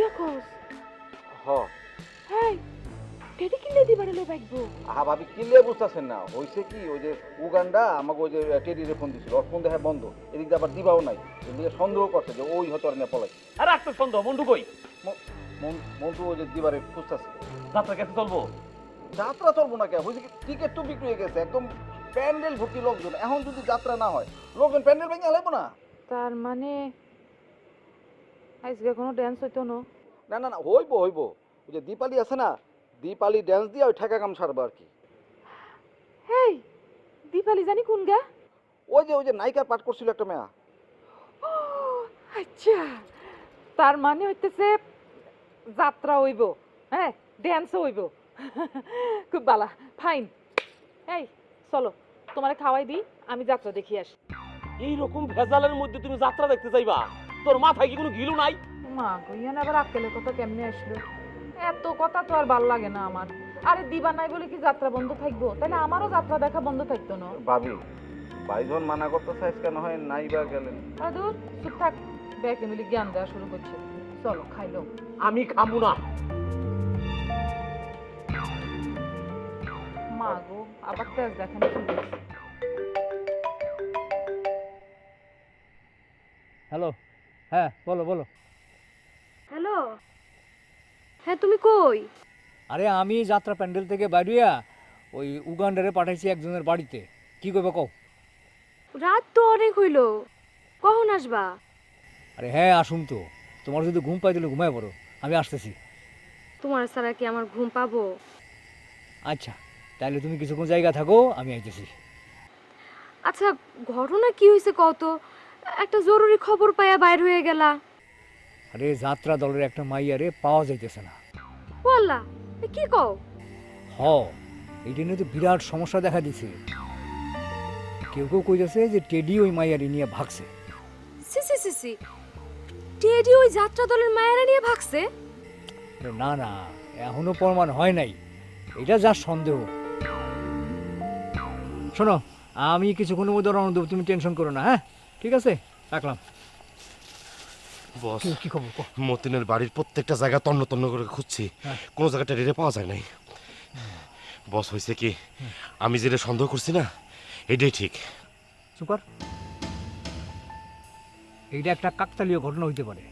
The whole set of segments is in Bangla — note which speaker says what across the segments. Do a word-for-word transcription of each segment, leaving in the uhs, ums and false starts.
Speaker 1: কিয়া কস?
Speaker 2: হ
Speaker 1: হেই টেডি কিনলে দিবারে লই বাইকবো।
Speaker 2: আহা ভাবি কিনলে বুঝতেছেন না, হয়েছে কি ওই যে উগান্ডা আমাকে ওই যে টেডিরে ফোন দিছিল, ওর ফোন দেখা বন্ধ, এদিক দিয়ে আবার দিবাও নাই, এদিকে সন্দেহ করছে যে ওই হয়তো আর নিয়ে পলাই।
Speaker 3: আরে একটা সন্দেহ, মন্টু কই?
Speaker 2: মন্টু ওই যে দিবারে খুঁজতেছে।
Speaker 3: যাত্রা কাছে চলবো?
Speaker 2: যাত্রা চলবো না কে, হয়েছে কি টিকিট তো বিক্রি হয়ে গেছে, একদম প্যান্ডেল ভর্তি লোকজন, এখন যদি যাত্রা না হয় লোকজন প্যান্ডেল ভেঙে লাগবো না।
Speaker 1: তার মানে আজকে কোনো ড্যান্স হইতো না?
Speaker 2: না না না হইবো হইবো, ওই যে দীপালি আছে না, দীপালি ড্যান্স দিয়ে ওই ঠেকা কাম সারবো আর কি।
Speaker 1: হেই দীপালি জানি কোন গা?
Speaker 2: ওই যে ওই যে নায়িকার পাঠ করছিল একটা মেয়া।
Speaker 1: আচ্ছা তার মানে হইতেছে যাত্রা হইব, হ্যাঁ ড্যান্সও হইব। খুব ভালো, ফাইন। এই চলো তোমারে খাওয়াই দিই, আমি যাত্রা দেখি আসি।
Speaker 3: এইরকম ভেজালের মধ্যে তুমি যাত্রা দেখতে চাইবা? তোর মাথায় কি কোনো গিলু নাই?
Speaker 1: মা কইয়ান আবার আক্কেলের কথা কেমনে আসলো? এত কথা তো আর ভাল লাগে না আমার। আরে দিবা নাই বলে কি যাত্রা বন্ধ থাকবো? তাহলে আমারও যাত্রা দেখা বন্ধ থাকতো না।
Speaker 2: ভাবি ভাইজন মানা করতে চাইছ কেন হয় নাই বা গেলেন?
Speaker 1: আরে দূর চুপ থাক, ব্যাকে মিলি জ্ঞান দেওয়া শুরু করছে। চলো খাইলো।
Speaker 3: আমি খাবো না।
Speaker 1: মা গো আবার তেজ দেখানো শুরু করছে।
Speaker 4: হ্যালো, হ্যাঁ বলো বলো।
Speaker 5: হ্যালো, হ্যাঁ তুমি কই?
Speaker 4: আরে আমি যাত্রা প্যান্ডেল থেকে বাইরিয়া ওই উগান্ডারে পাঠাইছি একজনের বাড়িতে। কি করবে কও?
Speaker 5: রাত তো অনেক হইল, কখন আসবা?
Speaker 4: আরে হ্যাঁ আসুন তো, তোমার যদি ঘুম পাই দিলে ঘুমায় পড়ো, আমি আসতেছি।
Speaker 5: তোমার ছাড়া কি আমার ঘুম পাবো?
Speaker 4: আচ্ছা তাহলে তুমি কিছুক্ষণ জায়গা থাকো, আমি আইতেছি।
Speaker 5: আচ্ছা ঘটনা কি হয়েছে কত? একটা জরুরি খবর পাইয়া বাইর হয়ে গেলা।
Speaker 4: আরে যাত্রা দলের একটা মাইয়ারে পাওয়া যাইতেছে না।
Speaker 5: বললা কি কও?
Speaker 4: হ, এইটা নিয়ে তো বিরাট সমস্যা দেখা দিছে। কেউ কেউ কইতেছে যে টেডি ওই মাইয়ারি নিয়ে ভাগছে।
Speaker 5: সি সি সি সি, টেডি ওই যাত্রা দলের মায়েরা নিয়ে ভাগছে?
Speaker 4: আরে না না, এখনো প্রমাণ হয় নাই, এটা যা সন্দেহ। শোনো, আমি কিছুক্ষণের মধ্যে রওনা দেবো, তুমি টেনশন করো না। হ্যাঁ ঠিক আছে, রাখলাম।
Speaker 6: বস,
Speaker 4: কি- কি খবর কও?
Speaker 6: মতিনের বাড়ির প্রত্যেকটা জায়গা তন্ন তন্ন করে খুঁজছি,
Speaker 4: হ্যাঁ।
Speaker 6: কোনো জায়গাটা রেড়ে পাওয়া যায় নাই। বস হয়েছে কি, আমি যেটা সন্দেহ করছি না এটাই ঠিক।
Speaker 4: চুপ কর। এইটা একটা কাকতালীয় ঘটনা হইতে পারে।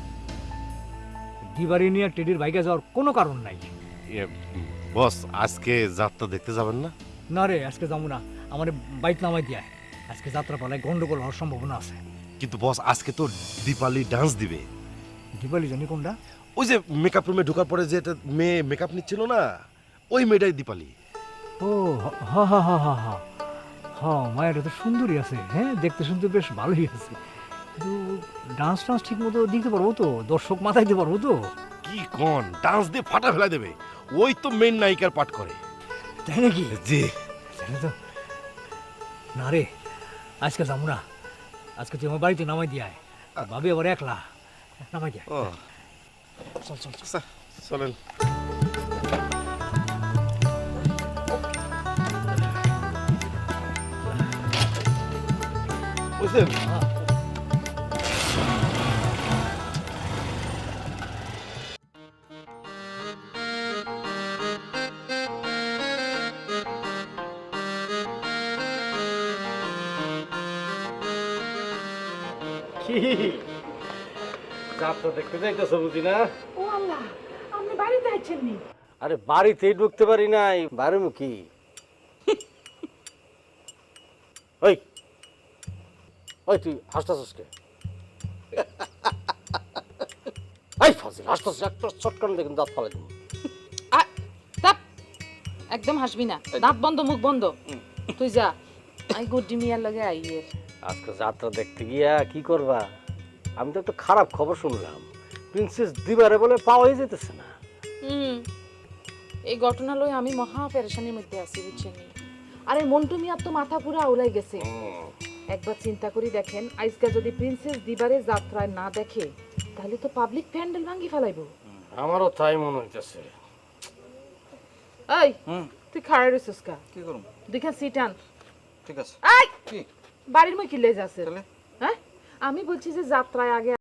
Speaker 4: দিবারি নিয়ে টেডির বাইকে যাওয়ার কোনো কারণ নাই।
Speaker 6: ইয়ে, বস আজকে যাত্রা দেখতে যাবেন না?
Speaker 4: না রে, আজকে যাবো না, আমার বাইক নামাই দিয়া। আজকে যাত্রা পালায় গন্ডগোল হওয়ার সম্ভাবনা আছে।
Speaker 6: কিন্তু বস আজকে তো দীপালি ডান্স দিবে।
Speaker 4: দিবালি জানি কোনটা?
Speaker 6: ওই যে মেকআপ রুমে ঢোকার পরে যে একটা মেয়ে মেকআপ নিচ্ছিল না, ওই মেয়েটাই দীপালি।
Speaker 4: ও হা হা হা হা হা হা, মায়েরা তো সুন্দরী আছে, হ্যাঁ দেখতে শুনতে বেশ ভালোই আছে, কিন্তু ডান্স টান্স ঠিক মতো দিতে পারবো তো? দর্শক মাথায় দিতে পারবো তো?
Speaker 6: কি কন, ডান্স দিয়ে ফাটা ফেলা দেবে। ওই তো মেন নায়িকার পাঠ করে।
Speaker 4: তাই নাকি?
Speaker 6: জি।
Speaker 4: তাহলে তো না রে, আজকে যাবো না। আজকে তুই আমার বাড়িতে নামাই দিয়ে আয়, ভাবি আবার একলা, নামাই দিয়ে আয়।
Speaker 6: ও
Speaker 4: চল চল চল।
Speaker 6: আচ্ছা, চলেন। বুঝলেন,
Speaker 3: কি যাত্রা দেখতে যাইতেছ বুঝি না?
Speaker 1: ও আল্লাহ, আপনি বাড়িতে আছেন নি?
Speaker 3: আরে বাড়িতেই ঢুকতে পারি নাই, বাইরে মুখী। ওই ওই তুই হাসতাছিস কে? এই ফাজিল হাসতাছিস, একটা চটকান দেখুন দাঁত ফালাই দেবো।
Speaker 1: একদম হাসবি না, দাঁত বন্ধ মুখ বন্ধ। তুই যা, আই গুড্ডি মিয়ার লগে আইয়ের।
Speaker 3: আজকে যাত্রা দেখতে গিয়া কি করবা? আমি তো একটা খারাপ খবর শুনলাম, প্রিন্সেস দিবারে বলে পাওয়াই যেতেছে না।
Speaker 1: হুম, এই ঘটনা লই আমি মহা পেরেশানির মধ্যে আছি বুঝছেন। আরে মন্টু মিয়ার তো মাথা পুরা উড়াই গেছে। একবার চিন্তা করি দেখেন, আজকে যদি প্রিন্সেস দিবারে যাত্রায় না দেখে তাহলে তো পাবলিক প্যান্ডেল ভাঙ্গি ফেলাইবো।
Speaker 3: আমারও তাই মনে হইতেছে।
Speaker 1: এই তুই খাড়াই রইছিস কা?
Speaker 2: কি করুম?
Speaker 1: দুইখান সিট আন।
Speaker 2: ঠিক আছে।
Speaker 1: এই
Speaker 2: কি
Speaker 1: বাড়ির মই কি লেজ আছে?
Speaker 2: তাহলে?
Speaker 1: হ্যাঁ আমি বলছি যে যাত্রায় আগে